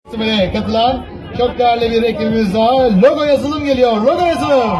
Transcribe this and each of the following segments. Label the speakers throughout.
Speaker 1: Festivale katılan çok değerli bir ekibimiz daha. Logo yazılım geliyor. Logo yazılım.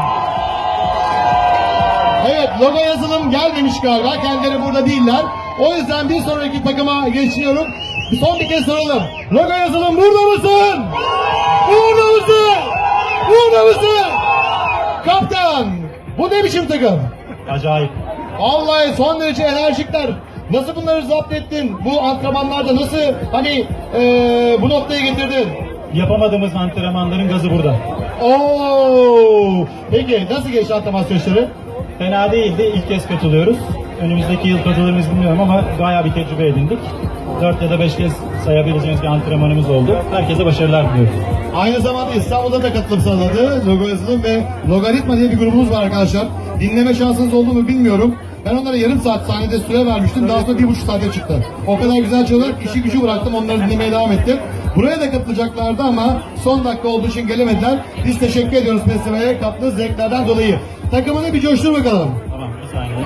Speaker 1: Evet, logo yazılım gelmemiş galiba. Kendileri burada değiller. O yüzden bir sonraki takıma geçiyorum. Son bir kez soralım. Logo yazılım burada mısın? Burada mısın? Burada mısın? Kaptan, bu ne biçim takım?
Speaker 2: Acayip.
Speaker 1: Vallahi son derece enerjikler. Nasıl bunları zapt ettin? Bu antrenmanlarda nasıl bu noktaya getirdin?
Speaker 2: Yapamadığımız antrenmanların gazı burada.
Speaker 1: Oo! Peki nasıl geçti antrenman süreçleri?
Speaker 2: Fena değildi. İlk kez katılıyoruz. Önümüzdeki yıl katılır mıyız bilmiyorum ama bayağı bir tecrübe edindik. 4 ya da 5 kez sayabileceğimiz bir antrenmanımız oldu. Herkese başarılar diliyoruz.
Speaker 1: Aynı zamanda İstanbul'da da katılım sağladı. Logo yazılım ve Logaritma diye bir grubumuz var arkadaşlar. Dinleme şansınız oldu mu bilmiyorum. Ben onlara yarım saat sahnede süre vermiştim. Daha sonra 1,5 saate çıktı. O kadar güzel çalıyorlar. İşi gücü bıraktım. Onları dinlemeye devam ettim. Buraya da katılacaklardı ama son dakika olduğu için gelemediler. Biz teşekkür ediyoruz festivale kattığı zevklerden dolayı. Takımını bir coştur bakalım.
Speaker 2: Tamam, bir saniye.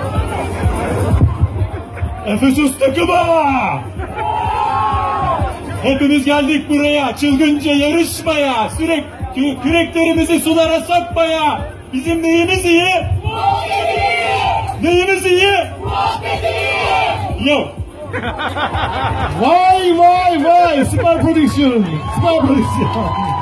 Speaker 2: Efesus takımı! Hepimiz geldik buraya çılgınca yarışmaya, sürekli küreklerimizi sulara sokmaya. Bizim neyimiz iyi? Neyimiz iyi? Yok.
Speaker 1: Vay vay vay! Süper prodüksiyon! Süper prodüksiyon!